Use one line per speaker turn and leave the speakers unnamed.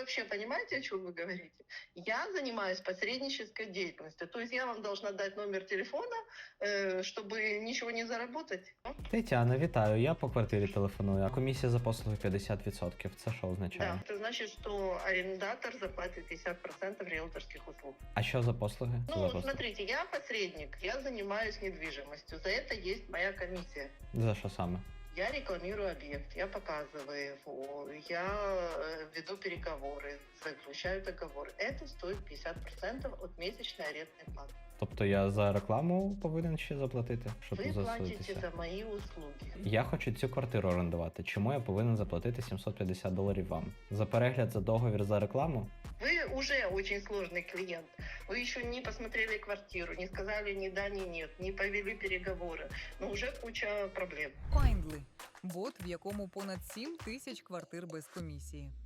вообще понимаете, о чем вы говорите? Я занимаюсь посреднической деятельностью. То есть я вам должна дать номер телефона, чтобы ничего не заработать.
Тетяна, вітаю. Я по квартирі телефоную, а комісія за послуги 50%. Це що означає?
Да, это значит, что арендатор заплатит 50% риэлторских услуг.
А що за послуги? Що за
Ну,
послуги?
смотрите, я посредник, я занимаюсь недвижимостью. За это есть моя комиссия.
За що саме?
Я рекламирую объект, я показываю его, я веду переговоры, заключаю договор. Это стоит 50% от месячной арендной платы.
Тобто я за рекламу повинен ще заплатити, щоб
Вы платите
засудитися?
за мои услуги.
Я хочу цю квартиру орендувати. Чому я повинен заплатити $750 вам? За перегляд за договір за рекламу?
Вы уже очень сложный клиент. Вы еще не посмотрели квартиру, не сказали ни да, ни нет, не повели переговоры. Но уже куча проблем.
Findly – бот, в якому понад 7 тисяч квартир без комісії.